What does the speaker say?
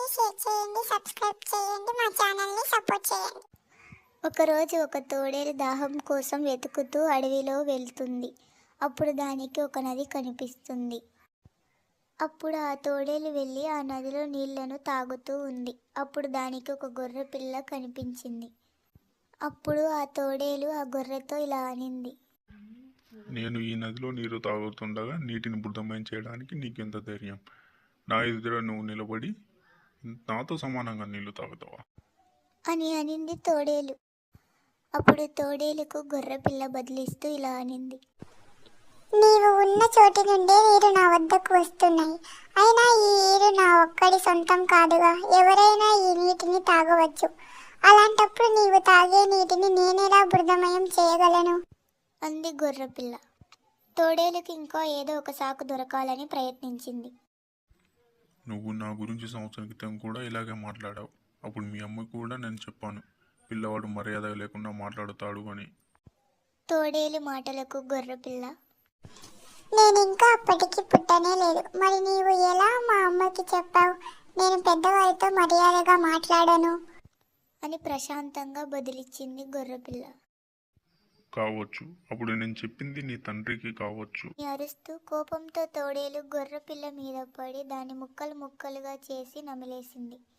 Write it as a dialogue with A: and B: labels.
A: Share చేయండి, subscribe చేయండి, మా ఛానల్ని సపోర్ట్ చేయండి.
B: ఒకరోజు ఒక తోడేలు దాహం కోసం వెతుకుతూ అడవిలో వెళ్తుంది. అప్పుడు దానికి ఒక నది కనిపిస్తుంది. అప్పుడు ఆ తోడేలు వెళ్ళి ఆ నదిలో నీళ్లను తాగుతూ ఉంది. అప్పుడు దానికి ఒక గొర్రె పిల్ల కనిపించింది. అప్పుడు ఆ తోడేలు ఆ గొర్రెతో ఇలా అనింది,
C: నేను ఈ నదిలో నీరు తాగుతుండగా నీటిని బుద్ధమయం చేయడానికి నీకెంత ధైర్యం? నా ఎదుట నువ్వు నిలబడి నాతో సమానంగా నీళ్లు తాగుతావా?
B: అని అనింది తోడేలు. అప్పుడు తోడేలుకు గొర్రె పిల్ల బదిలిస్తూ ఇలా అనింది,
A: నీవు ఉన్న చోటి నుండే నీరు నా వద్దకు వస్తున్నాయి. అయినా ఈ నీరు నా ఒక్కడి సొంతం కాదుగా, ఎవరైనా ఈ నీటిని తాగవచ్చు. అలాంటప్పుడు నీవు తాగే నీటిని నేనెలా బృదమయం చేయగలను?
B: అంది గొర్రెపిల్ల. తోడేలుకి ఇంకా ఏదో ఒక సాకు దొరకాలని ప్రయత్నించింది.
C: నువ్వు నా గురించి సంవత్సరం క్రితం కూడా ఇలాగే మాట్లాడావు. అప్పుడు మీ అమ్మకు కూడా నేను చెప్పాను, పిల్లవాడు మర్యాద లేకుండా మాట్లాడుతాడు అని.
B: తోడేలు మాటలకు గొర్రెపిల్ల,
A: నేను ఇంకా అప్పటికి పుట్టనే లేదు. మరి నీవు ఎలా మా అమ్మకి చెప్పావు నేను పెద్దవారితో మర్యాదగా మాట్లాడను
B: అని ప్రశాంతంగా బదిలిచ్చింది గొర్రెపిల్ల.
C: కావచ్చు, అప్పుడు నేను చెప్పింది నీ తండ్రికి కావచ్చు.
B: అరుస్తూ కోపంతో తోడేలు గొర్రెపిల్ల మీద పడి దాన్ని ముక్కలు ముక్కలుగా చేసి నమిలేసింది.